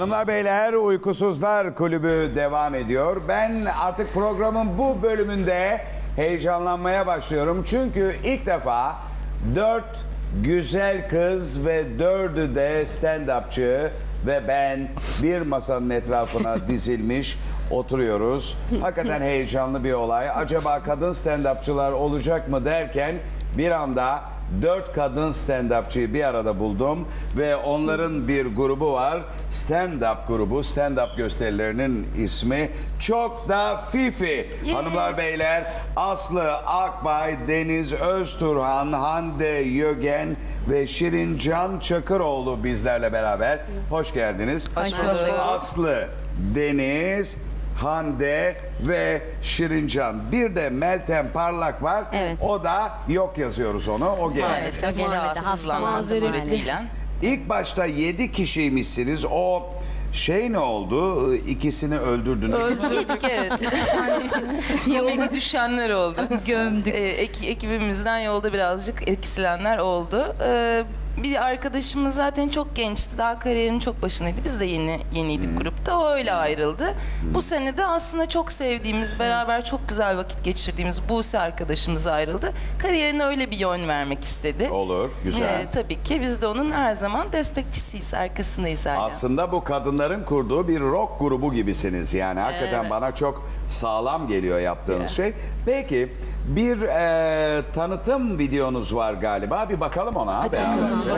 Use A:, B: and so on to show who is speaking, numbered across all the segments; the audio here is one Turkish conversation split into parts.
A: Hanımlar beyler, Uykusuzlar Kulübü devam ediyor. Ben artık programın bu bölümünde heyecanlanmaya başlıyorum. Çünkü ilk defa 4 güzel kız ve 4'ü de stand-upçı ve ben bir masanın etrafına dizilmiş oturuyoruz. Hakikaten heyecanlı bir olay. Acaba kadın stand-upçılar olacak mı derken bir anda 4 kadın stand-upçıyı bir arada buldum ve onların bir grubu var. Stand-up grubu. Stand-up gösterilerinin ismi çok da Fifi.
B: Yes.
A: Hanımlar beyler, Aslı Akbay, Deniz Özturhan, Hande Yögen ve Şirincan Çakıroğlu bizlerle beraber. Hoş geldiniz.
B: Hoş bulduk.
A: Aslı, Deniz, Hande ve Şirincan. Bir de Meltem Parlak var.
B: Evet.
A: O da yok yazıyoruz onu. O geldi.
C: Maalesef
B: Maalesef
C: rahatsızlanmak
B: hasta
C: suretiyle.
A: İlk başta 7 kişiymişsiniz. O şey ne oldu? İkisini öldürdünüz.
C: Öldürdük evet. Yemeğe düşenler oldu.
B: Gömdük.
C: Ekibimizden yolda birazcık eksilenler oldu. Bir arkadaşımız zaten çok gençti. Daha kariyerinin çok başındaydı. Biz de yeniydik grupta. O öyle ayrıldı. Bu sene de aslında çok sevdiğimiz, beraber çok güzel vakit geçirdiğimiz Buse arkadaşımız ayrıldı. Kariyerine öyle bir yön vermek istedi.
A: Olur, güzel.
C: Tabii ki biz de onun her zaman destekçisiyiz, arkasındayız hala.
A: Aslında bu kadınların kurduğu bir rock grubu gibisiniz. Yani hakikaten
C: Evet.
A: bana çok sağlam geliyor yaptığınız şey. Peki bir tanıtım videonuz var galiba. Bir bakalım ona beraber.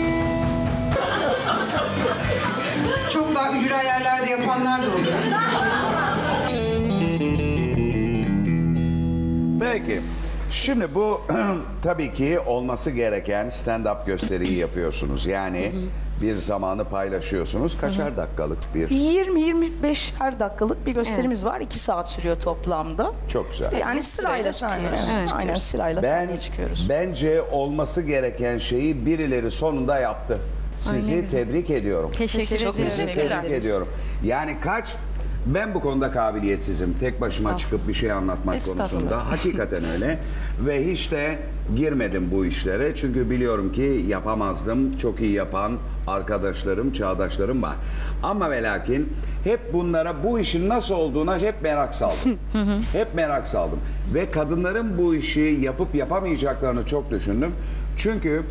D: Çok daha ücra yerlerde yapanlar da oluyor.
A: Peki. Şimdi bu tabii ki olması gereken stand-up gösteriyi yapıyorsunuz. Yani bir zamanı paylaşıyorsunuz. Kaçar dakikalık bir?
E: 20-25'er dakikalık bir gösterimiz var. 2 saat sürüyor toplamda.
A: Çok güzel.
E: Yani sırayla
C: sahneye
E: çıkıyoruz.
C: çıkıyoruz.
E: Aynen sırayla sahneye çıkıyoruz.
A: Bence olması gereken şeyi birileri sonunda yaptı. Sizi tebrik ediyorum.
B: Teşekkür
C: Çok
B: ederim.
A: Sizi
C: teşekkürler.
A: tebrik ediyorum. Yani ben bu konuda kabiliyetsizim. Tek başıma çıkıp bir şey anlatmak
C: Estağfurullah.
A: konusunda. Hakikaten öyle. Ve hiç de girmedim bu işlere. Çünkü biliyorum ki yapamazdım. Çok iyi yapan arkadaşlarım, çağdaşlarım var. Ama ve lakin hep bunlara, bu işin nasıl olduğuna hep merak saldım. Hep merak saldım. Ve kadınların bu işi yapıp yapamayacaklarını çok düşündüm. Çünkü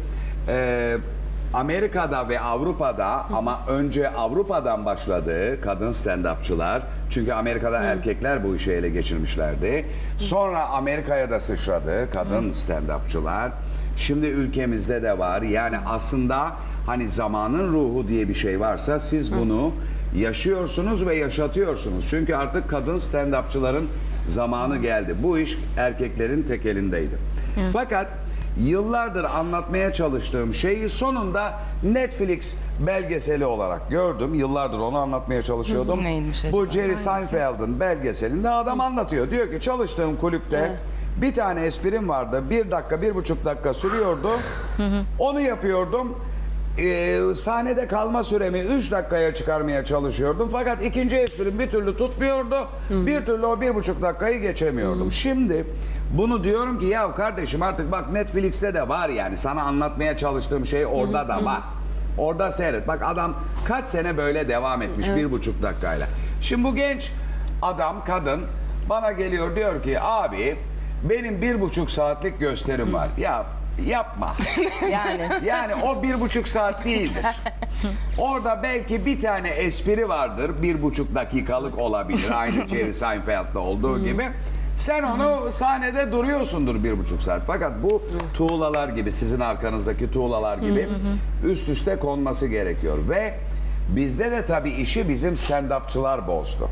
A: Amerika'da ve Avrupa'da ama önce Avrupa'dan başladı kadın stand-upçılar. Çünkü Amerika'da erkekler bu işi ele geçirmişlerdi. Sonra Amerika'ya da sıçradı kadın stand-upçılar. Şimdi ülkemizde de var. Yani aslında hani zamanın ruhu diye bir şey varsa siz bunu yaşıyorsunuz ve yaşatıyorsunuz. Çünkü artık kadın stand-upçıların zamanı geldi. Bu iş erkeklerin tek elindeydi. Fakat yıllardır anlatmaya çalıştığım şeyi sonunda Netflix belgeseli olarak gördüm. Yıllardır onu anlatmaya çalışıyordum.
C: Neymiş acaba?
A: Bu Jerry Seinfeld'in belgeselinde adam anlatıyor. Diyor ki çalıştığım kulüpte bir tane esprim vardı. 1 dakika, 1,5 dakika sürüyordu. Onu yapıyordum. Sahnede kalma süremi 3 dakikaya çıkarmaya çalışıyordum. Fakat ikinci esprim bir türlü tutmuyordu. Bir türlü o 1,5 dakikayı geçemiyordum. Şimdi bunu diyorum ki ya kardeşim artık bak Netflix'te de var yani. Sana anlatmaya çalıştığım şey orada da var. Orada seyret. Bak adam kaç sene böyle devam etmiş 1,5 dakikayla. Şimdi bu genç adam, kadın bana geliyor diyor ki abi benim 1,5 saatlik gösterim var. Ya yapma. Yani o 1,5 saat değildir. Orada belki bir tane espri vardır. 1,5 dakikalık olabilir. Aynı Jerry Seinfeld'da olduğu gibi. Sen onu sahnede duruyorsundur 1,5 saat. Fakat bu tuğlalar gibi, sizin arkanızdaki tuğlalar gibi üst üste konması gerekiyor. Ve bizde de tabii işi bizim stand-upçılar bozdu.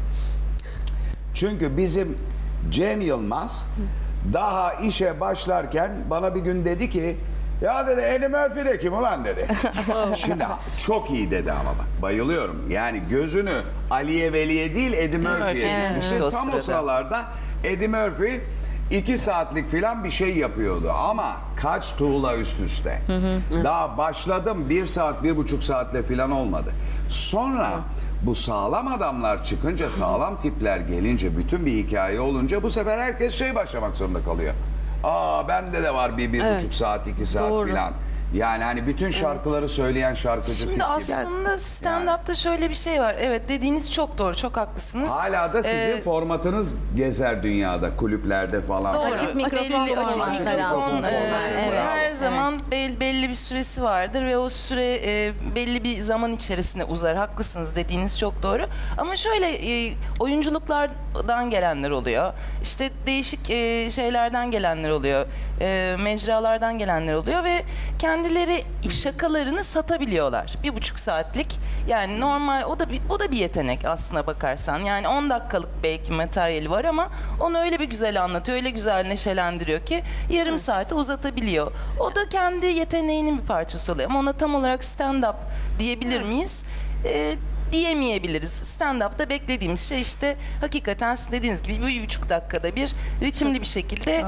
A: Çünkü bizim Cem Yılmaz daha işe başlarken bana bir gün dedi ki ya dedi Eddie Murphy de kim ulan dedi. Şimdi çok iyi dedi ama bak bayılıyorum. Yani gözünü Aliye Veli'ye değil Eddie Murphy'ye
C: Evet,
A: dikmişti.
C: işte o
A: Tam o
C: sırada.
A: sıralarda Eddie Murphy 2 saatlik filan bir şey yapıyordu ama kaç tuğla üst üste. Daha başladım 1 saat 1,5 saatle filan olmadı. Sonra bu sağlam adamlar çıkınca, sağlam tipler gelince, bütün bir hikaye olunca bu sefer herkes başlamak zorunda kalıyor. Bende de var bir 1,5 saat 2 saat
E: Doğru.
A: filan. Yani hani bütün şarkıları söyleyen şarkıcı tip
C: Şimdi
A: gibi.
C: aslında stand-up'ta şöyle bir şey var. Evet, dediğiniz çok doğru, çok haklısınız.
A: Hala da sizin formatınız gezer dünyada, kulüplerde falan.
C: Doğru.
B: Açık mikrofon
C: Belli- açık
B: formatları
C: mikrofon,
B: aslında.
C: evet.
A: Bravo.
C: Her zaman belli bir süresi vardır ve o süre belli bir zaman içerisinde uzar. Haklısınız, dediğiniz çok doğru. Ama şöyle oyunculuklardan gelenler oluyor. İşte değişik şeylerden gelenler oluyor. Mecralardan gelenler oluyor ve kendileri şakalarını satabiliyorlar. 1,5 saatlik. Yani normal o da bir yetenek aslına bakarsan. Yani 10 dakikalık belki materyali var ama onu öyle bir güzel anlatıyor, öyle güzel neşelendiriyor ki yarım saate uzatabiliyor. O da kendi yeteneğinin bir parçası oluyor. Ama ona tam olarak stand-up diyebilir miyiz? Diyemeyebiliriz. Stand-up'ta beklediğimiz şey işte hakikaten sizin dediğiniz gibi 1,5 dakikada bir ritimli bir şekilde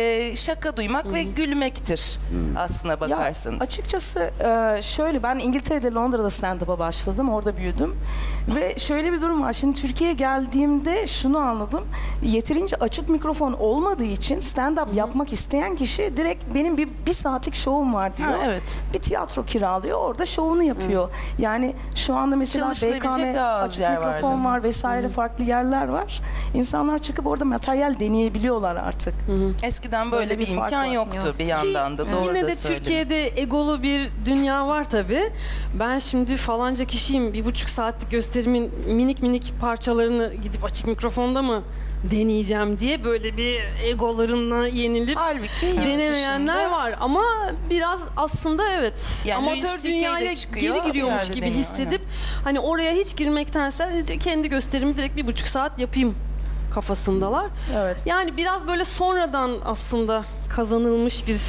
C: şaka duymak ve gülmektir aslına bakarsanız.
E: Ya açıkçası şöyle, ben İngiltere'de, Londra'da stand-up'a başladım. Orada büyüdüm. Ve şöyle bir durum var. Şimdi Türkiye'ye geldiğimde şunu anladım. Yeterince açık mikrofon olmadığı için stand-up yapmak isteyen kişi direkt benim bir saatlik şovum var diyor.
C: Ha, evet.
E: Bir tiyatro kiralıyor. Orada şovunu yapıyor. Yani şu anda mesela
C: Çalışılabilecek
E: BKM
C: daha az
E: açık
C: yer
E: mikrofon
C: vardı.
E: var vesaire, farklı yerler var. İnsanlar çıkıp orada materyal deneyebiliyorlar artık.
C: Eskiden böyle
E: Böyle
C: bir
E: bir fark
C: imkan
E: var.
C: yoktu bir yandan da. Doğru
B: Yine
C: da
B: de
C: söyledin.
B: Türkiye'de egolu bir dünya var tabii. Ben şimdi falanca kişiyim, 1,5 saatlik gösterimin minik minik parçalarını gidip açık mikrofonda mı deneyeceğim diye böyle bir egolarına yenilip
C: Halbuki yurt
B: denemeyenler
C: dışında-
B: var. Ama biraz aslında evet,
C: Yani Louis
B: amatör
C: CK de
B: dünyaya
C: çıkıyor,
B: geri giriyormuş
C: bir yerde
B: gibi
C: deniyor,
B: hissedip hani oraya hiç girmektense kendi gösterimi direkt 1,5 saat yapayım kafasındalar.
E: Evet.
B: Yani biraz böyle sonradan aslında kazanılmış bir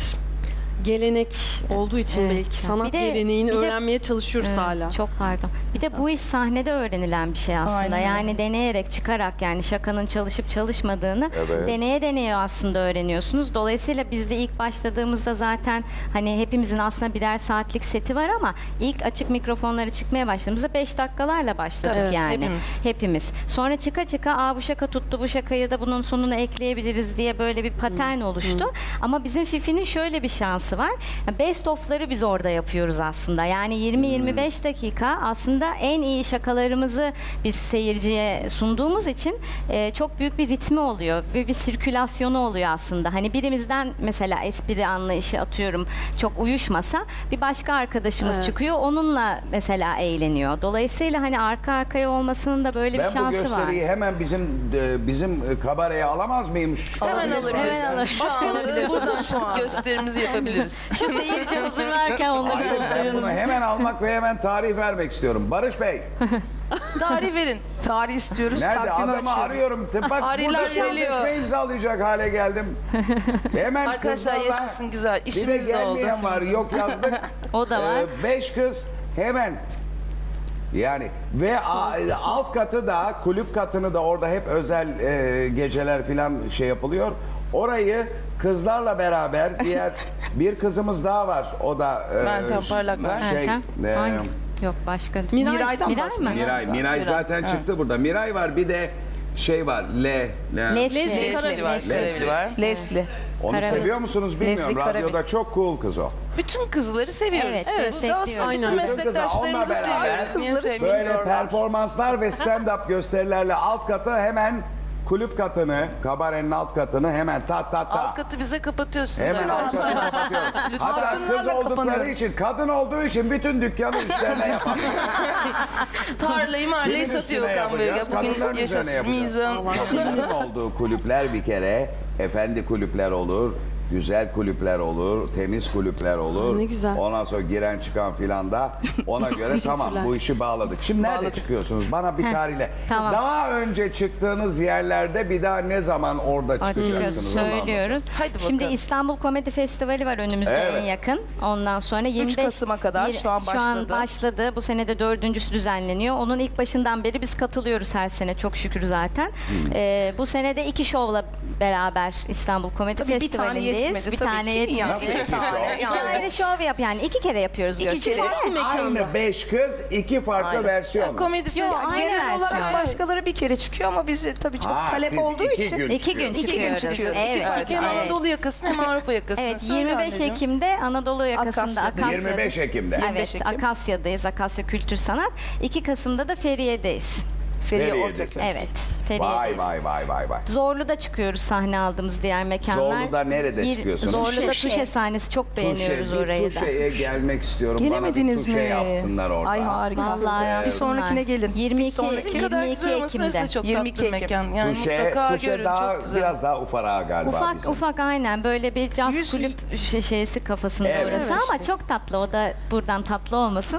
B: gelenek olduğu için
F: Evet.
B: belki sanat
F: Bir de-
B: geleneğini
F: bir de-
B: öğrenmeye çalışıyoruz
F: Evet,
B: hala.
F: Çok pardon. Bir de bu iş sahnede öğrenilen bir şey aslında.
E: Aynen öyle.
F: Yani deneyerek, çıkarak, yani şakanın çalışıp çalışmadığını
A: Evet.
F: deneye aslında öğreniyorsunuz. Dolayısıyla biz de ilk başladığımızda zaten hani hepimizin aslında birer saatlik seti var ama ilk açık mikrofonlara çıkmaya başladığımızda 5 dakikalarla başladık
C: Tabii,
F: yani.
C: hepimiz.
F: Sonra çıka çıka bu şaka tuttu, bu şakayı da bunun sonuna ekleyebiliriz diye böyle bir patern oluştu. Ama bizim Fifi'nin şöyle bir şansı var. Best of'ları biz orada yapıyoruz aslında. Yani 20-25 dakika aslında en iyi şakalarımızı biz seyirciye sunduğumuz için çok büyük bir ritmi oluyor ve bir sirkülasyonu oluyor aslında. Hani birimizden mesela espri anlayışı atıyorum çok uyuşmasa bir başka arkadaşımız
B: Evet.
F: çıkıyor, onunla mesela eğleniyor. Dolayısıyla hani arka arkaya olmasının da böyle bir
A: Ben bu
F: şansı var.
A: gösteriyi hemen bizim kabareye alamaz mıyım?
C: Hemen alırız.
F: Hemen alırız.
C: Şu anda buradan çıkıp gösterimizi yapabiliriz.
F: Şu seyirci hazır varken onları
A: Hayır, ben
F: toplayalım.
A: bunu hemen almak ve hemen tarih vermek istiyorum. Barış Bey,
C: Tarih verin.
E: Tarih istiyoruz.
A: nerede?
E: takvimi
A: Adamı
E: açıyoruz.
A: arıyorum. Bak
C: Ariler
A: burada
C: veriliyor.
A: sözleşme imzalayacak hale geldim. Hemen
C: Arkadaşlar
A: kızlarla-
C: yaşasın güzel.
A: Bir de
C: İşimiz de oldu.
A: gelmeyen var. Yok yazdık.
F: O da var.
A: 5 kız hemen. Yani ve alt katı da, kulüp katını da orada hep özel geceler falan şey yapılıyor. Orayı kızlarla beraber diğer bir kızımız daha var. O da
C: Meltem Parlak var.
A: şey,
F: Erken. Hangi? Yok başka.
E: Miray'dan
F: Miray
E: bahsediyoruz.
F: mı?
A: Miray zaten çıktı burada. Miray var, bir de şey var.
F: Leslie.
C: Leslie var. Leslie var.
E: Leslie.
A: Onu
F: Karabey.
A: seviyor musunuz bilmiyorum.
E: Leslie Karabey.
A: Radyoda çok cool kız o.
C: Bütün kızları seviyoruz.
F: Evet,
C: Bu da
F: destekliyoruz.
C: aslında
B: Aynen.
C: bütün
A: Bütün kızlar, onunla
C: meslektaşlarımızı
A: beraber
C: seviyoruz. Niye sevmeyeyim?
A: Böyle performanslar ve stand-up gösterilerle alt katı hemen kulüp katını, kabarenin alt katını hemen tat tat tat.
C: Alt katı bize kapatıyorsunuz.
A: Hemen alt katını kapatıyorum. Hatta kız
E: Altınlarla
A: oldukları
E: kapanıyoruz.
A: için, kadın olduğu için bütün dükkanı üstlerine yapalım.
C: Tarlayı mahalleyi
A: Kimin
C: satıyor
A: üstüne
C: Okan Bölge.
A: yapacağız? Kadınların
C: Bugün
A: üzerine
C: yaşasın.
A: yapacağız.
C: Mizan.
A: Kadınların olduğu kulüpler bir kere efendi kulüpler olur. Güzel kulüpler olur, temiz kulüpler olur.
B: Ne güzel.
A: Ondan sonra giren çıkan filan da ona göre tamam bu işi bağladık. Şimdi nerede çıkıyorsunuz? Bana bir tarihle.
F: tamam.
A: Daha önce çıktığınız yerlerde bir daha ne zaman orada
F: Açıkçası
A: çıkacaksınız? Onu anlatın.
F: söylüyoruz.
C: Hadi bakalım.
F: Şimdi İstanbul Komedi Festivali var önümüzde
A: Evet.
F: en yakın. Ondan sonra 25
E: Kasım'a kadar şu an başladı.
F: başladı. Bu sene de 4.'sü düzenleniyor. Onun ilk başından beri biz katılıyoruz her sene çok şükür zaten. Bu sene de 2 şovla beraber İstanbul Komedi
E: Tabii bir tane
F: Festivali'ndeyiz.
E: yetmedi
F: Bir
E: tabii
F: tane
E: ki.
F: yetmedi.
A: Nasıl iki şov?
F: İki ayrı şov yap yani 2 kere yapıyoruz gösteri.
A: Aynı 5 kız, 2 farklı
E: Aynen.
A: versiyon.
C: Komedi
F: Yok,
C: festivali.
F: aynı
E: Genel olarak
F: versiyon.
E: başkaları bir kere çıkıyor ama bizi tabii çok
A: Ha,
E: talep
A: siz
E: olduğu
A: 2
E: için.
A: gün
F: 2 gün
A: çıkıyorsunuz.
F: çıkıyoruz.
E: çıkıyoruz.
F: Evet.
C: Hem
F: evet.
C: Anadolu yakasını hem Avrupa yakasını.
F: Evet,
C: Söyle
F: 25
C: anneciğim.
F: Ekim'de Anadolu yakasında
E: Akasya'da.
F: Akasya'da.
A: 25 Ekim'de.
E: 25
F: Evet,
E: Ekim.
F: Akasya'dayız. Akasya Kültür Sanat. 2 Kasım'da da Feriye'deyiz.
E: Feriye
A: Feriye'desiniz.
E: Ortak.
F: Evet,
A: Vay
F: Feriye'deyiz.
A: vay.
F: Zorlu'da çıkıyoruz sahne aldığımız diğer mekanlar.
A: Zorlu'da nerede çıkıyorsunuz?
F: Zorlu'da
E: Tuşe.
F: Tuşe sahnesi çok beğeniyoruz
A: Tuşe,
F: orayı
A: bir
F: da.
A: Tuşe'ye gelmek istiyorum.
E: Gelemediniz
A: Bana bir Tuşe
E: mi?
A: yapsınlar orada.
E: Ay harika.
F: Vallahi
E: Bir sonrakine gelin.
F: 22
C: Sizin kadar
F: 22
C: güzel olması
F: Ekim'de.
C: da çok
E: 22
C: tatlı
E: Ekim.
C: mekan. Yani
A: Tuşe,
C: mutlaka
A: Tuşe
C: görün,
A: daha
C: çok güzel.
A: biraz daha ufarağa galiba
F: Ufak
A: bizim.
F: ufak aynen böyle bir caz
E: 100
F: kulüp şeysi kafasında
A: Evet.
F: orası
E: Evet
F: ama
E: işte.
F: çok tatlı. O da buradan tatlı olmasın.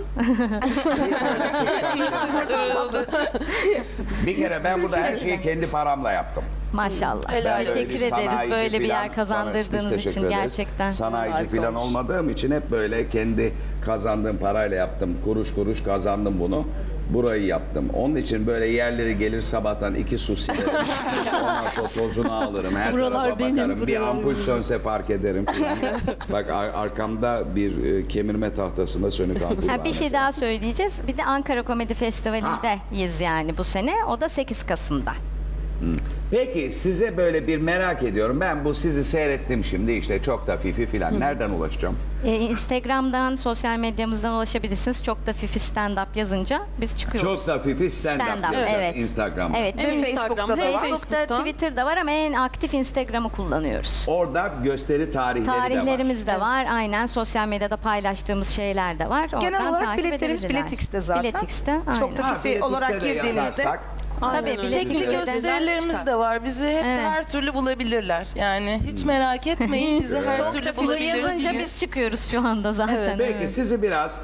A: Bir kere ben burada her şeyi kendi paramla yaptım.
F: Maşallah.
C: Helal olsun.
F: Teşekkür ederiz
A: Sanayici
F: böyle bir
A: filan-
F: yer kazandırdığınız
A: Biz teşekkür
F: için
A: ederiz.
F: gerçekten.
A: Sanayici
E: Harika
A: falan
E: olmuş.
A: olmadığım için hep böyle kendi kazandığım parayla yaptım. Kuruş kuruş kazandım bunu. Burayı yaptım. Onun için böyle yerleri gelir sabahtan 2 su silerim. Ondan sonra tozunu alırım. Her
B: Buralar
A: tarafa
B: benim,
A: bakarım. Bir
B: buralar
A: ampul
B: benim.
A: sönse fark ederim. Bak arkamda bir kemirme tahtasında sönük ampul var.
F: Ha, bir şey
A: mesela.
F: daha söyleyeceğiz. Bir de Ankara Komedi Festivali'ndeyiz yani bu sene. O da 8 Kasım'da.
A: Peki size böyle bir merak ediyorum. Ben bu sizi seyrettim şimdi işte çok da fifi filan. Nereden ulaşacağım?
F: Instagram'dan, sosyal medyamızdan ulaşabilirsiniz. Çok da Fifi Stand Up yazınca biz çıkıyoruz.
A: Çok da fifi stand-up
F: Stand-up,
A: yazacağız
F: evet.
A: Instagram'da.
F: Evet.
B: Hem
E: Facebook'ta
B: Instagram'da
E: da
B: hem
E: var.
F: Facebook'ta,
B: Facebook'ta.
F: Twitter'da var ama en aktif Instagram'ı kullanıyoruz.
A: Orada gösteri tarihleri de var.
F: Tarihlerimiz de var. Aynen sosyal medyada paylaştığımız şeyler de var.
E: Genel
F: Oradan
E: olarak
F: takip
E: biletlerimiz
F: edebilirler.
E: Biletix'te zaten.
F: Biletix'te.
E: Çok
F: aynen.
E: da
A: Ha,
E: Fifi
A: Biletix'e
E: olarak
A: de
E: girdiğinizde
A: yazarsak,
F: Tabii
B: öyle.
F: Biletix'te
C: Teknik
F: de-
C: gösterilerimiz de var. Bizi hep
F: Evet.
C: her türlü bulabilirler. Yani hiç merak etmeyin. Bizi her
F: Çok
C: türlü
F: da Fifi yazınca
C: bulabilirsiniz.
F: biz çıkıyoruz şu anda zaten.
A: Peki sizi biraz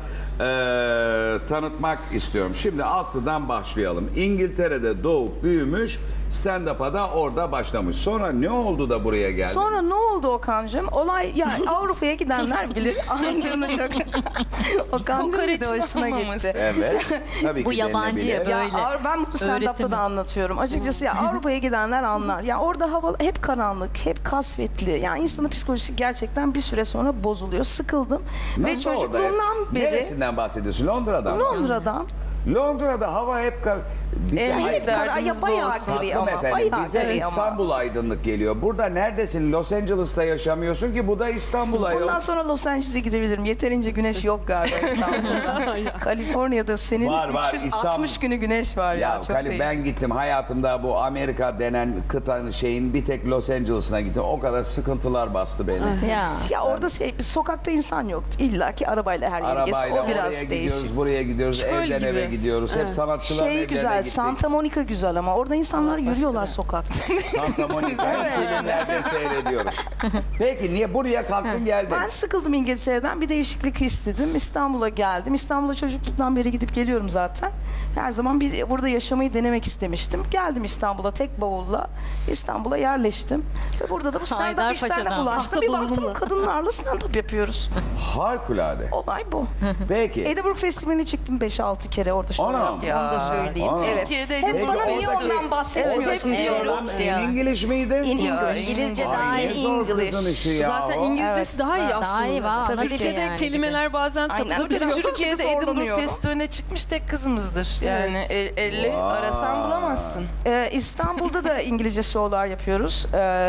A: tanıtmak istiyorum. Şimdi Aslı'dan başlayalım. İngiltere'de doğup büyümüş, stand-up'a da orada başlamış. Sonra ne oldu da buraya geldi?
E: Sonra ne oldu Okan'cığım? Olay ya Avrupa'ya gidenler bilir. Anladığını çok. Okan'cığım bir de hoşuna gitti.
A: Evet. Tabii
F: Bu
A: ki
F: yabancı
A: denilebilir.
F: ya,
E: Ya
F: Böyle.
E: ben bu stand-up'ta
F: Öğretimi.
E: da anlatıyorum. Açıkçası ya Avrupa'ya gidenler anlar. Ya orada hava hep karanlık, hep kasvetli. Yani insanın psikolojisi gerçekten bir süre sonra bozuluyor. Sıkıldım. Ve
A: Nasıl orada?
E: çocukluğumdan beri
A: Neresinden bahsediyorsun? Londra'dan mı?
E: Londra'dan
A: Londra'da hava hep... Bize
E: hep
C: derdimiz
E: ya bayağı
C: bu olsun.
E: gri
A: Tatlım
E: ama.
A: efendim
E: Bayağı
A: bize
E: gri ama.
A: İstanbul aydınlık geliyor. Burada neredesin? Los Angeles'ta yaşamıyorsun ki bu da İstanbul'a
E: Bundan
A: yok.
E: sonra Los Angeles'e gidebilirim. Yeterince güneş yok galiba İstanbul'da. Kaliforniya'da senin
A: Var,
E: 360
A: İstanbul.
E: günü güneş var ya.
A: Ya
E: Çok
A: Kali,
E: değişik.
A: ben gittim hayatımda bu Amerika denen kıtanın şeyin bir tek Los Angeles'ına gittim. O kadar sıkıntılar bastı beni.
F: Ya.
E: Ya orada bir sokakta insan yok. İlla ki arabayla her yere geziyor.
A: Arabayla
E: O biraz
A: oraya
E: değişik.
A: gidiyoruz, buraya gidiyoruz,
B: Çöl
A: evden
B: gibi.
A: eve gidiyoruz. Hep sanatçıların evlerine
E: Güzel,
A: gittik.
E: Santa Monica güzel ama orada insanlar yürüyorlar sokakta.
A: Santa Monica'yı filmlerde seyrediyoruz. Peki niye buraya kalktın geldin?
E: Ben sıkıldım İngiltere'den, bir değişiklik istedim. İstanbul'a geldim. İstanbul'a çocukluktan beri gidip geliyorum zaten. Her zaman burada yaşamayı denemek istemiştim. Geldim İstanbul'a tek bavulla. İstanbul'a yerleştim. Ve burada da bu stand-up
F: Haydarpaşa'dan.
E: işlerine bulaştım. Bir baktım kadınlarla stand-up yapıyoruz.
A: Harikulade.
E: Olay bu.
A: Peki.
E: Edinburgh Festivali'ne çıktım 5-6 kere orada şov
A: Anam.
E: yaptım. Onu da söyleyeyim.
A: Anam.
E: Evet.
C: Türkiye'de
E: Hep
C: Edinburgh
E: bana niye
A: Festivali-
E: ondan bahsetmiyorsun
A: Oradaki
E: diyorum.
A: şovlar in English miydi?
E: In English.
F: İngilizce
A: Ay,
F: daha
A: ne
F: iyi.
A: zor kızın
E: English.
A: işi ya.
B: Zaten
A: o.
B: İngilizcesi daha iyi aslında.
F: Daha iyi, ana dili
B: Türkçe'de
F: yani.
B: kelimeler bazen
E: Aynen.
B: sapıp
E: Tabii,
B: biraz.
C: Türkiye'de Edinburgh
E: zorlanıyorum.
C: Festivali'ne çıkmış tek kızımızdır. Yani 50
A: Vay.
C: arasan bulamazsın.
E: İstanbul'da da İngilizce şovlar yapıyoruz.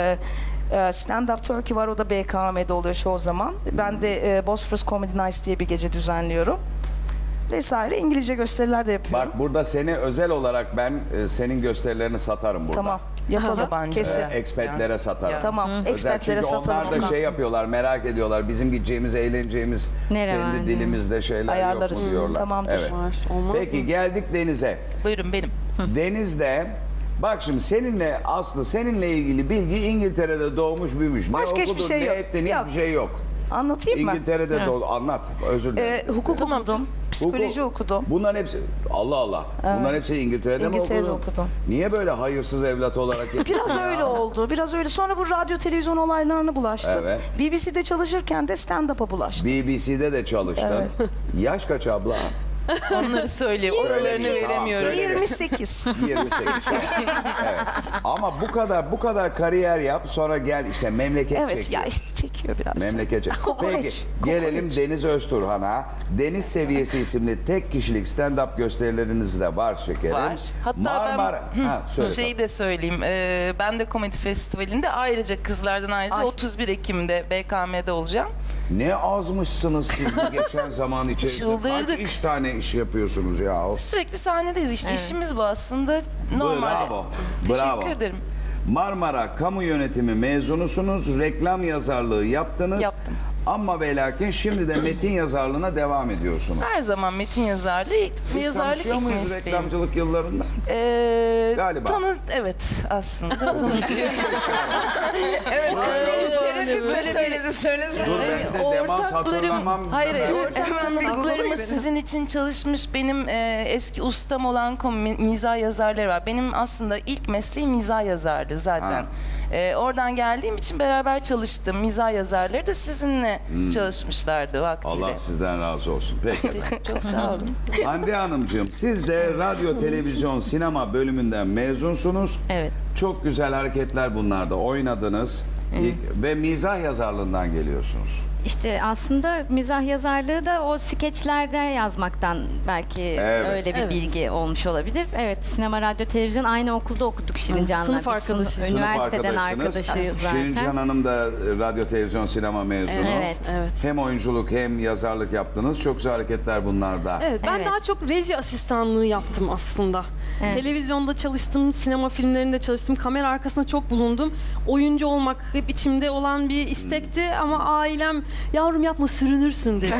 E: Stand Up Turkey var, o da BKM'de oluyor çoğu zaman. Ben de Bosphorus Comedy Nights diye bir gece düzenliyorum. Vesaire İngilizce gösteriler de yapıyorum.
A: Bak burada seni özel olarak ben senin gösterilerini satarım burada.
E: Tamam, yapalım.
C: Yabancı.
E: Kesin.
A: Expatlere satarım.
E: Tamam,
A: Özel
E: expatlere
A: çünkü
E: satalım.
A: onlar da
E: Tamam.
A: şey yapıyorlar, merak ediyorlar. Bizim gideceğimiz, eğleneceğimiz
F: Nere var
A: kendi
F: diye.
A: dilimizde şeyler
E: Ayarlarız.
A: yok mu diyorlar.
E: Tamamdır.
A: Evet.
B: Var, olmaz
A: Peki
B: mı?
A: geldik denize.
C: Buyurun benim.
A: Denizde bak şimdi seninle Aslı seninle ilgili bilgi İngiltere'de doğmuş büyümüş. Ne
E: Başka hiçbir
A: okudun,
E: şey
A: ne
E: yok.
A: ettin
E: Yok.
A: hiçbir şey yok.
E: Anlatayım mı?
A: İngiltere'de doğdu. Anlat. Özür dilerim.
E: Hukuk okudum, psikoloji
A: Hukuk.
E: okudum.
A: Bunların hepsi Allah Allah. Bunların hepsi İngiltere'de mi
E: İngiltere'de
A: okudun?
E: okudum.
A: Niye böyle hayırsız evlat olarak yetiştin
E: Biraz
A: ya?
E: öyle oldu, biraz öyle. Sonra bu radyo televizyon olaylarına bulaştım.
A: Evet.
E: BBC'de çalışırken de stand-up'a bulaştım.
A: BBC'de de çalıştın. Yaş kaç abla?
C: Onları söyleyeyim. Oralarını
A: Tamam,
C: veremiyorum.
A: söyle.
E: 28.
A: 28. Evet. Ama bu kadar kariyer yap, sonra gel işte memleket
E: Evet
A: çekiyor.
E: ya işte çekiyor biraz.
A: Memleket çekiyor.
E: Kokoreç,
A: Peki
E: kokoreç.
A: gelelim Deniz Özturhan'a. Deniz Seviyesi isimli tek kişilik stand-up gösterileriniz de var şekerim.
C: Var. Hatta
A: Söyle.
C: Şeyi de söyleyeyim. Ben de Komedi Festivali'nde ayrıca kızlardan ayrıca
E: Ay.
C: 31 Ekim'de BKM'de olacağım.
A: Ne azmışsınız siz bu geçen zaman içerisinde.
C: Çıldırdık.
A: Kaç tane iş yapıyorsunuz ya?
C: Sürekli sahnedeyiz işte. İşimiz bu aslında. Normal.
A: Bravo.
C: Teşekkür
A: Bravo.
C: ederim.
A: Marmara Kamu Yönetimi mezunusunuz. Reklam yazarlığı yaptınız.
C: Yaptım.
A: Ama ve lakin şimdi de metin yazarlığına devam ediyorsunuz.
C: Her zaman metin yazarlığı,
A: Biz
C: yazarlık
A: tanışıyor
C: ilk
A: muyuz
C: mesleğim.
A: reklamcılık yıllarında?
C: Galiba. Evet aslında tanışıyor.
D: Evet,
C: Böyle
D: söyledi.
A: Dur ben de demans hatırlamam.
C: Hayır,
A: Ben-
C: ortak tanıdıklarımız sizin için çalışmış benim eski ustam olan mizah yazarları var. Benim aslında ilk mesleğim mizah yazarlığı zaten. Oradan geldiğim için beraber çalıştım. Mizah yazarları da sizinle çalışmışlardı vaktiyle.
A: Allah sizden razı olsun. Peki.
C: Çok sağ olun.
A: Hande Hanımcığım siz de radyo, televizyon, sinema bölümünden mezunsunuz.
F: Evet.
A: Çok güzel hareketler bunlarda oynadınız. Ve mizah yazarlığından geliyorsunuz.
F: İşte aslında mizah yazarlığı da o skeçlerde yazmaktan belki
A: Evet.
F: öyle bir
B: Evet.
F: bilgi olmuş olabilir. Evet, sinema, radyo, televizyon aynı okulda okuduk Şirincan'la.
B: Sınıf
F: Biz
B: arkadaşıyız.
F: Üniversiteden
A: Sınıf
F: arkadaşıyız zaten.
A: Şirincan Hanım da radyo, televizyon, sinema mezunu.
F: Evet.
B: Evet.
A: Hem oyunculuk hem yazarlık yaptınız. Çok güzel hareketler bunlarda.
B: Evet, ben
F: Evet.
B: daha çok reji asistanlığı yaptım aslında.
F: Evet.
B: Televizyonda çalıştım, sinema filmlerinde çalıştım, kamera arkasında çok bulundum. Oyuncu olmak hep içimde olan bir istekti ama ailem yavrum yapma sürünürsün dedi.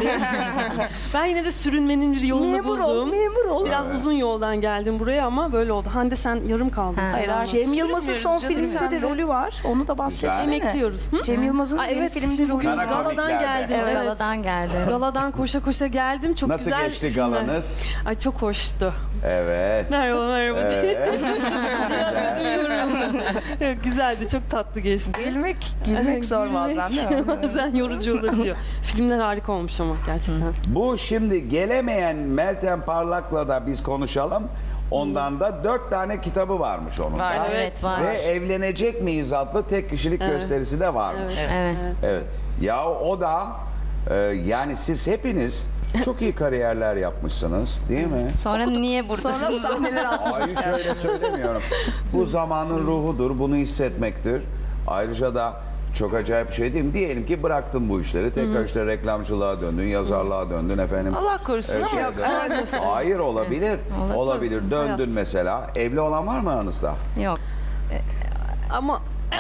B: Ben yine de sürünmenin bir yolunu
E: Memur ol,
B: buldum.
E: memur ol.
B: Biraz uzun yoldan geldim buraya ama böyle oldu. Hande sen yarım kaldın.
F: Ha.
B: sen
C: Hayır,
B: anlat.
C: artık
E: Cem Yılmaz'ın son
C: Sürünmüyoruz canım,
E: filminde de
C: sen de.
E: rolü var. Onu da bahsetsene.
B: Emekliyoruz. Hı?
E: Cem Yılmaz'ın
B: Aa,
E: yeni
B: evet,
E: filmde rolü
B: bugün
A: Kara
E: var.
B: galadan
A: komiklerde.
B: geldim.
F: Evet.
B: Evet.
F: Galadan geldi.
B: Galadan koşa koşa geldim. Çok
A: Nasıl
B: güzel
A: geçti
B: filmler.
A: galanız?
B: Ay çok hoştu.
A: Evet.
B: Merhaba merhaba diye.
A: Evet.
B: Biraz üzülüyorum. Evet, güzeldi, çok tatlı geçti.
E: Gülmek zor bazen değil mi?
B: Bazen yorucu olabiliyor. Filmler harika olmuş ama gerçekten.
A: Bu şimdi gelemeyen Meltem Parlak'la da biz konuşalım. Ondan da 4 tane kitabı varmış onun da.
C: Var,
F: Evet, var.
A: Ve Evlenecek miyiz adlı tek kişilik gösterisi de varmış.
B: Evet.
F: Evet.
A: Evet. Ya o da yani siz hepiniz çok iyi kariyerler yapmışsınız değil mi?
F: Sonra niye buradasınız?
E: Sonra sahneler
A: Ay hiç öyle söylemiyorum. Bu zamanın ruhudur, bunu hissetmektir. Ayrıca da çok acayip bir şey değil mi? Diyelim ki bıraktın bu işleri, tekrar işte reklamcılığa döndün, yazarlığa döndün efendim.
C: Allah korusun ama
A: şeye döndün. Hayır olabilir.
F: Olur.
A: Olabilir. Döndün mesela. Evli olan var mı aranızda?
F: Yok.
B: Ama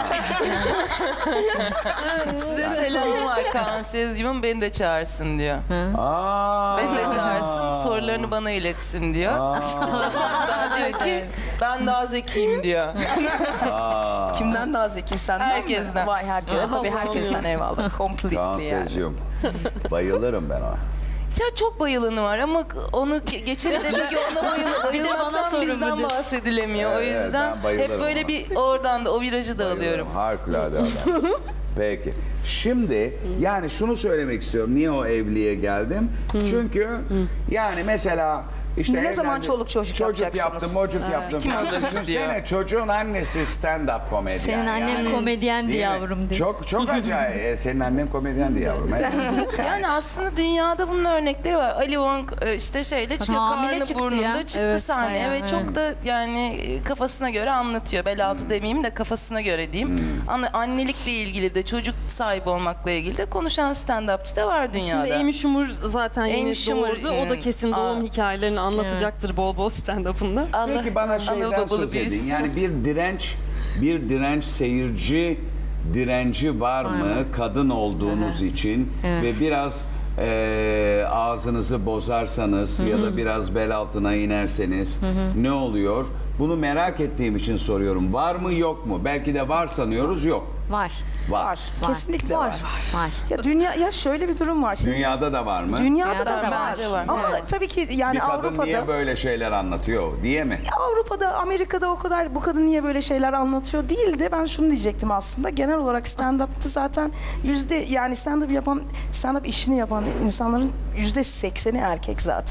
C: size selamım var Kaan Sezgi'min beni de çağırsın diyor.
A: Aa.
C: Beni de çağırsın, sorularını bana iletsin diyor. Hatta diyor ki ben daha zekiyim diyor.
E: Kimden daha zeki senden
C: Herkesten.
E: mi? Vay herkes. Tabii herkesten eyvallah. Completely
A: Kaan
E: yani.
A: Sezgi'm. Bayılırım ben ona.
C: Ya çok bayılanı var ama onu geçelim demek ki ona bayılmaktan bizden bahsedilemiyor. O
A: Evet,
C: yüzden
A: ben bayılırım
C: hep böyle
A: ona.
C: bir oradan da o virajı da alıyorum.
A: Harikulade adam. Peki. Şimdi yani şunu söylemek istiyorum. Niye o evliliğe geldim? Çünkü yani mesela işte
E: Ne zaman
A: evlendim,
E: çoluk çocuk yapacaksınız?
A: yaptım, mocuk yaptım.
C: Kim alır
A: Düşünsene
C: diyor.
A: çocuğun annesi stand-up komedyen.
F: Senin annen komedyendi
A: Değil mi?
F: yavrum diye.
A: Çok acayip. Senin annen komedyendi yavrum. Evet.
C: Yani aslında dünyada bunun örnekleri var. Ali Wong işte şeyle çıkıyor,
F: Hamile
C: karnı
F: çıktı
C: burnunda
F: ya.
C: çıktı
B: Evet,
C: sahneye ve
F: bayağı,
C: çok da yani kafasına göre anlatıyor. Bel altı demeyeyim de kafasına göre diyeyim. Annelikle ilgili de çocuk sahibi olmakla ilgili de konuşan stand-upçı da var dünyada.
B: şimdi Amy Schumer zaten yeni
C: Amy Schumer,
B: doğurdu. O da kesin doğum hikayelerini anlatacaktır bol bol stand-up'ında.
C: Allah
A: Peki bana
C: analı
A: şeyden
C: babalı
A: söz edin.
C: büyüsün.
A: Yani bir direnç seyirci direnci var mı kadın olduğunuz için ve biraz ağzınızı bozarsanız ya da biraz bel altına inerseniz ne oluyor? Bunu merak ettiğim için soruyorum. Var mı yok mu? Belki de var sanıyoruz yok.
F: Var.
A: Var.
E: Kesinlikle var.
F: Var.
E: Ya dünya ya şöyle bir durum var. Şimdi
A: Dünyada da var mı?
E: dünyada da
F: Dünyada
E: var.
C: bence var.
E: Ama
F: Evet.
E: tabii ki yani
A: Bir kadın
E: Avrupa'da
A: niye böyle şeyler anlatıyor diye mi?
E: Avrupa'da, Amerika'da o kadar bu kadın niye böyle şeyler anlatıyor değil de ben şunu diyecektim aslında. Genel olarak stand-up'ta zaten yani stand-up işini yapan insanların %80'i erkek zaten.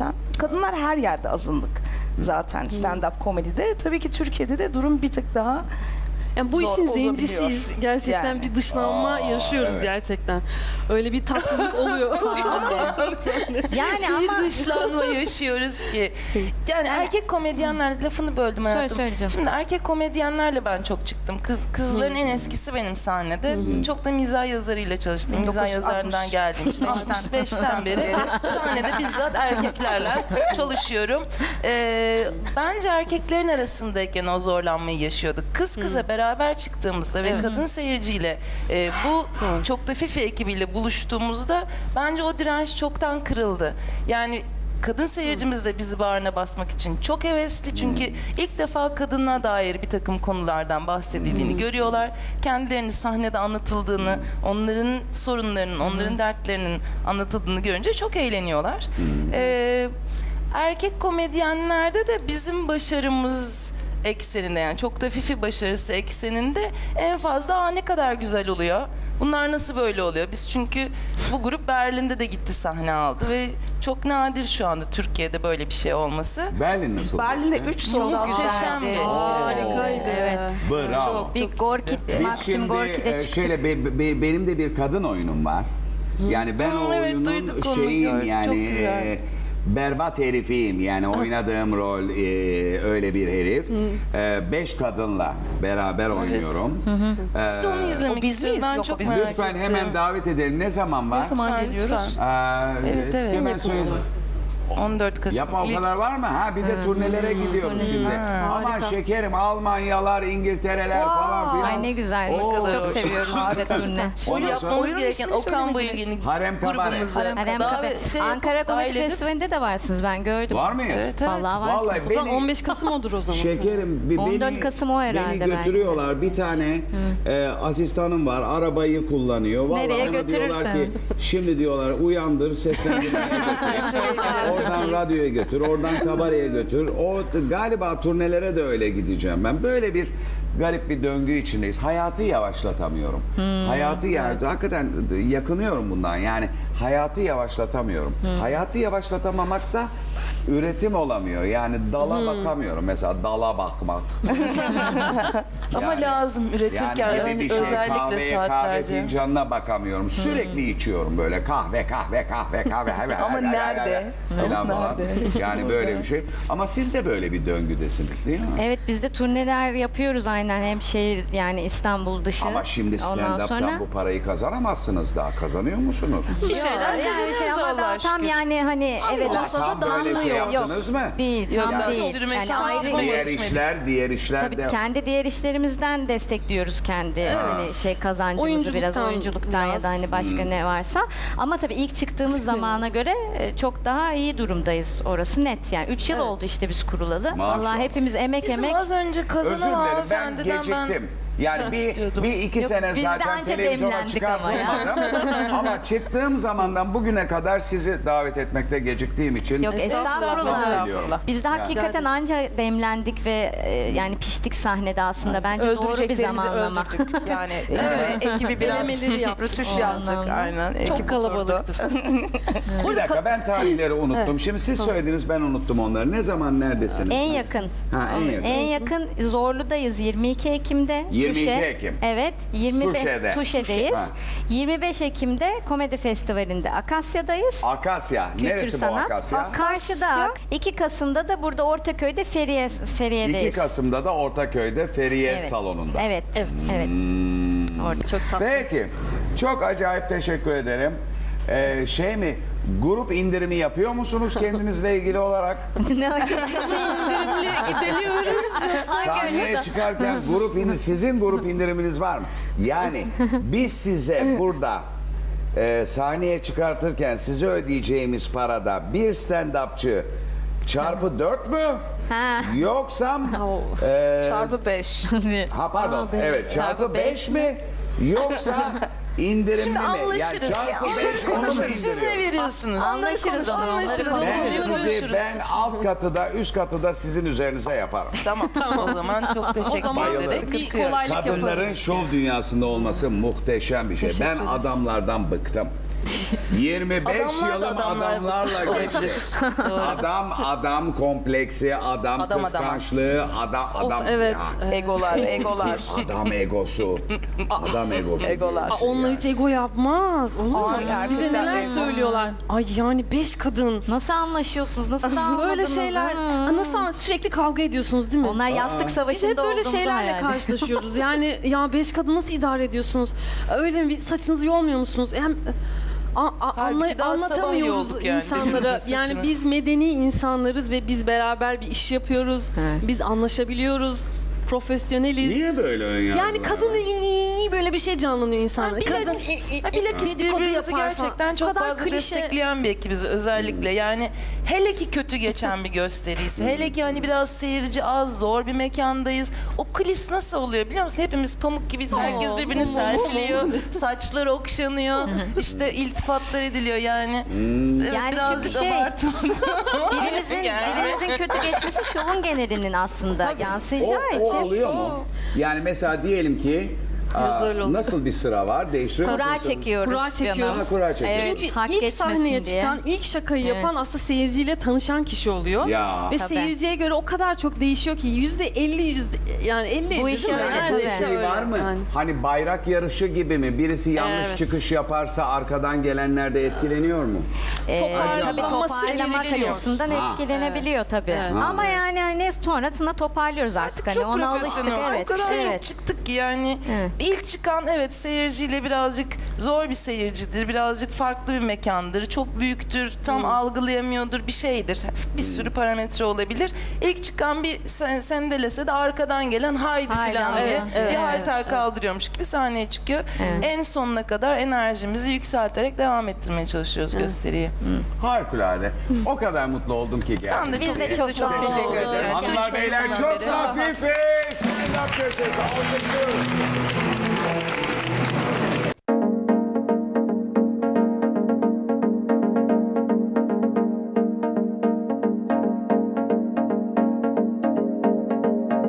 E: kadınlar her yerde azınlık zaten stand-up komedide. Tabii ki Türkiye'de de durum bir tık daha
B: Yani bu
E: zor
B: işin
E: olabiliyor.
B: zencisiyiz. Gerçekten
E: Yani.
B: bir dışlanma yaşıyoruz
A: evet.
B: gerçekten. Öyle bir tatsızlık oluyor.
F: Yani ama
C: Bir dışlanma yaşıyoruz ki. Yani erkek komedyenler, lafını böldüm hayatım.
F: söyle canım.
C: Şimdi erkek komedyenlerle ben çok çıktım. Kızların en eskisi benim sahnede. Çok da mizah yazarıyla çalıştım. Mizah
E: 1960.
C: yazarından geldim. İşte 65'ten beri sahnede bizzat erkeklerle çalışıyorum. Bence erkeklerin arasındayken o zorlanmayı yaşıyorduk. Kız kıza beraber çıktığımızda ve kadın seyirciyle bu çok da Fifi ekibiyle buluştuğumuzda bence o direnç çoktan kırıldı. Yani kadın seyircimiz de bizi bağrına basmak için çok hevesli. Çünkü ilk defa kadına dair bir takım konulardan bahsedildiğini görüyorlar. Kendilerini sahnede anlatıldığını, onların sorunlarının, onların dertlerinin anlatıldığını görünce çok eğleniyorlar. Erkek komedyenlerde de bizim başarımız ekseninde, yani çok da Fifi başarısı ekseninde en fazla ne kadar güzel oluyor. Bunlar nasıl böyle oluyor? Biz çünkü bu grup Berlin'de de gitti, sahne aldı ve çok nadir şu anda Türkiye'de böyle bir şey olması.
A: Berlin nasıl?
E: Berlin'de 3 sold
C: Muhteşem
F: güzeldi.
C: geçti.
B: Harikaydı.
F: Evet.
A: Bravo.
F: bir Gorki,
A: Biz
F: Maxim
A: şimdi
F: Gorki'de çıktık.
A: şöyle benim de bir kadın oyunum var. Yani ben o
C: evet,
A: oyunun
C: duyduk onu,
A: şeyim
C: gördük.
A: yani
C: Çok güzel.
A: berbat herifiyim. Yani oynadığım rol öyle bir herif. 5 kadınla beraber oynuyorum.
C: Biz de onu izlemek
E: biz
C: istiyoruz.
E: miyiz?
C: Ben
E: Yok,
C: çok
E: biz
C: merak
A: Lütfen
C: ettim.
A: hemen davet edelim. Ne zaman var?
E: Ne zaman
C: Lütfen,
E: geliyoruz?
C: lütfen. Evet.
A: Hemen söyle.
C: 14 Kasım.
A: Yapma o
C: İlk-
A: kadar var mı? Ha bir de turnelere gidiyoruz şimdi. Aman şekerim Almanyalar, İngiltereler falan filan.
F: Ay ne güzel.
A: Oo,
F: Çok
C: hoş.
F: seviyoruz biz de turne.
C: O
A: Ondan sonra-
C: yapmamız
E: Oyunun
C: gereken
E: ismini
C: Okan
E: söylemediniz.
C: Bayülgen'in
A: Harem Kabare.
C: grubumuzu
F: Harem
C: daha
F: Kabe.
C: şey
F: Ankara
C: yapıp,
F: Komedi
C: dahil edip-
F: Festivali'nde de varsınız, ben gördüm.
A: Var mıyız?
C: Evet, evet.
F: Vallahi varsınız.
A: Vallahi
B: O zaman 15 Kasım odur o zaman.
A: Şekerim
F: 14 Kasım o herhalde
A: beni götürüyorlar. Bir tane asistanım var. Arabayı kullanıyor. Vallahi
F: Nereye
A: ona diyorlar
F: götürürsen.
A: ki şimdi diyorlar uyandır seslendirmeye götür. Oradan radyoya götür. Oradan kabareye götür. O galiba turnelere de öyle gideceğim ben. Böyle bir garip bir döngü içindeyiz. Hayatı yavaşlatamıyorum. Hayatı hakikaten yakınıyorum bundan. Yani hayatı yavaşlatamıyorum. Hayatı yavaşlatamamak da üretim olamıyor. Yani dala bakamıyorum. Mesela dala bakmak.
C: Ama lazım üretirken
A: Yani gibi bir şey.
C: özellikle
A: Kahveye, kahve
C: saatlerce.
A: fincanına bakamıyorum. Sürekli içiyorum böyle kahve.
E: Ama nerede?
A: Falan falan. Yani böyle bir şey. Ama siz de böyle bir döngüdesiniz değil mi?
F: Evet, biz de turneler yapıyoruz aynen, hem şehir yani İstanbul dışı.
A: Ama şimdi
F: Ondan
A: stand-up'tan
F: sonra-
A: bu parayı kazanamazsınız daha. Kazanıyor musunuz?
C: Bir şeyler
F: Yani
C: kazanıyoruz
F: ama
C: Allah'a
F: daha tam
C: şükür.
F: yani hani evet
A: Tam böyle şey yaptınız mı?
F: değil,
C: Yok,
F: tam
C: daha
F: değil.
C: sürmek
F: Yani
C: şansı
F: ayrı
C: bulamadık.
A: Diğer işler
F: tabii
A: de
F: kendi diğer işlerimizden destekliyoruz kendi hani şey kazancımızı biraz
B: Oyunculuktan
F: oyunculuktan ya da hani
B: biraz.
F: başka ne varsa. Ama tabii ilk çıktığımız zamana göre çok daha iyi durumdayız, orası net. Yani 3 yıl oldu işte biz kurulalı.
A: Maşallah.
F: Vallahi hepimiz emek
C: Bizim az önce
A: özür
C: kazanan
A: dilerim ben
C: hanımefendiden
A: geciktim. Yani
C: istiyordum.
A: bir iki
F: Yok,
A: sene
F: biz de
A: zaten
F: anca
A: televizyona
F: demlendik ama ya.
A: çıkartılmadım. Ama çıktığım zamandan bugüne kadar sizi davet etmekte geciktiğim için
F: Yok, estağfurullah.
A: estağfurullah.
F: Biz de
A: Yani.
F: hakikaten anca demlendik ve yani piştik sahnede aslında. Bence doğru bir
E: Öldüreceklerimizi
F: zamanlama.
E: öldürdük. Yani ekibi biraz
B: Denemeleri yaptık.
E: rötuş yaptık. Aynen.
B: Çok
E: ekip
B: kalabalıktı.
A: Bir dakika ben tarihleri unuttum. Şimdi siz söylediniz ben unuttum onları. Ne zaman neredesiniz?
F: En yakın.
A: Ha, en yakın.
F: En yakın Zorlu'dayız 22 Ekim'de.
A: 22
F: Tuşe.
A: Ekim.
F: Evet. 25
A: Tuşe'de.
F: Tuşe'deyiz.
A: Ha.
F: 25 Ekim'de Komedi Festivali'nde Akasya'dayız.
A: Akasya.
F: Kültür
A: Neresi bu
F: sanat.
A: Akasya?
F: Karşıda. 2 Kasım'da da burada Ortaköy'de
A: 2
F: Feriye'deyiz.
A: Kasım'da da Ortaköy'de Feriye
F: Evet.
A: salonunda.
F: Evet. Evet. Evet. Orada çok tatlı.
A: Peki. Çok acayip teşekkür ederim. Şey mi? Grup indirimi yapıyor musunuz kendinizle ilgili olarak?
F: Ne acaba?
A: Sahneye çıkarken sizin grup indiriminiz var mı? Yani biz size burada sahneye çıkartırken size ödeyeceğimiz parada bir stand-upçı çarpı 4 mü?
F: Ha.
A: Yoksa
E: Çarpı 5.
A: pardon evet çarpı 5 mi? Yoksa indirimli mi? Yani
C: anlaşırız.
A: çarpı 5 onu mu
C: Siz ne
A: indiriyor?
C: veriyorsunuz?
F: Anlaşırız onu.
C: Anlaşırız.
A: Ben alt katı da üst katı da sizin üzerinize yaparım.
C: Tamam. O zaman çok
B: O
C: teşekkür
B: zaman
C: ederim.
A: Bayılırım.
B: bir
C: Sıkıntı yok.
B: kolaylık
A: Kadınların
B: yaparız.
A: şov dünyasında olması muhteşem bir şey. Ben adamlardan bıktım. 25
C: Adamlar da
A: yılım
C: adamlar
A: adamlarla
C: olabilir.
A: geçti.
C: Doğru.
A: Adam kompleksi, adam
C: Adam.
A: kıskançlığı, adam
B: evet.
A: ya.
D: Egolar.
A: Adam egosu. Adam egosu.
D: Egolar.
A: diyorsun
B: Onlar
A: yani.
B: hiç ego yapmaz. Olur mu?
D: Ay,
B: Bize
D: erkekler
B: neler
D: ego.
B: söylüyorlar. Ay yani 5 kadın.
F: Nasıl anlaşıyorsunuz? Nasıl
B: Böyle
F: dağılmadınız?
B: şeyler.
F: Hı.
B: Nasıl sürekli kavga ediyorsunuz değil mi?
F: Onlar yastık
B: Biz
F: savaşında
B: hep böyle
F: olduğumuzu
B: şeylerle
F: hayal ediyorum.
B: karşılaşıyoruz. Yani ya 5 kadın nasıl idare ediyorsunuz? Öyle mi? Saçınızı yolmuyor musunuz? Hem
C: Halbuki daha sabah
B: anlatamıyoruz
C: yolduk yani
B: insanlara.
C: saçını.
B: Yani biz medeni insanlarız ve biz beraber bir iş yapıyoruz.
F: Evet.
B: Biz anlaşabiliyoruz. Profesyoneliz.
A: Niye böyle ön yargılar
B: Yani kadın
A: var?
B: böyle bir şey canlanıyor insanlara. Kadın
C: Bilakis
B: dedikodu
C: birbirimizi
B: yapar
C: gerçekten
B: falan.
C: çok
B: O kadar
C: fazla
B: klişe.
C: destekleyen bir ekibiz özellikle. Yani hele ki kötü geçen bir gösteriyse, hele ki hani biraz seyirci az, zor bir mekandayız. O kulis nasıl oluyor biliyor musun? Hepimiz pamuk gibiyiz. Herkes birbirini selfiliyor. Saçlar okşanıyor. İşte iltifatlar ediliyor yani. Evet,
F: Yani
C: birazcık
F: çünkü
C: abartıldı.
F: Birimizin kötü geçmesi şovun genelinin aslında yansıyacağı
A: O
F: için.
A: oluyor mu? Yani mesela diyelim ki
B: öyle oldu.
A: nasıl bir sıra var? Değiştiriyor
F: Kura
A: musun?
F: çekiyoruz.
B: Kura
F: canım.
B: çekiyoruz.
A: Ha, kura çekiyoruz.
F: Evet,
B: Çünkü
F: hak
B: ilk
F: geçmesin
B: sahneye
F: diye.
B: çıkan, ilk şakayı
F: Evet.
B: yapan aslında seyirciyle tanışan kişi oluyor.
A: Ya.
B: Ve
F: Tabii.
B: seyirciye göre o kadar çok değişiyor ki %50 yani 50
F: Bu iş öyle,
A: Yani
F: tabii.
A: bir şey var mı?
B: Yani.
A: Hani bayrak yarışı gibi mi? Birisi yanlış
B: Evet.
A: çıkış yaparsa arkadan gelenler de etkileniyor mu?
F: Tabii
B: Toparlanması
F: toparlamak
B: gerekiyor.
F: açısından
A: Ha.
F: etkilenebiliyor tabii.
B: Evet.
F: Ama yani hani sonrasında toparlıyoruz artık. Hani
C: Çok
F: ona alıştık
C: profesyonel.
F: evet.
C: O kadar çok
F: Evet.
C: çıktık ki yani
F: Evet.
C: ilk çıkan evet seyirciyle birazcık zor bir seyircidir. Birazcık farklı bir mekandır. Çok büyüktür. Tam algılayamıyordur. Bir şeydir. Bir sürü parametre olabilir. İlk çıkan bir sendelese de arkadan gelen haydi
F: Haydi,
C: falan diye
B: evet,
C: bir
B: evet,
C: halter kaldırıyormuş gibi sahneye çıkıyor.
F: Evet.
C: En sonuna kadar enerjimizi yükselterek devam ettirmeye çalışıyoruz gösteriyi.
A: Harikulade. O kadar mutlu oldum ki geldim.
C: Ben de
F: Biz
C: çok,
F: de çok
C: çok
F: mutlu
C: teşekkür
F: olduk.
C: ederim.
A: Hanımlar
C: Üç
A: beyler
C: yıldan
A: çok
C: beri.
A: hafifiz. Stand up köşesi. Alkışlıyoruz.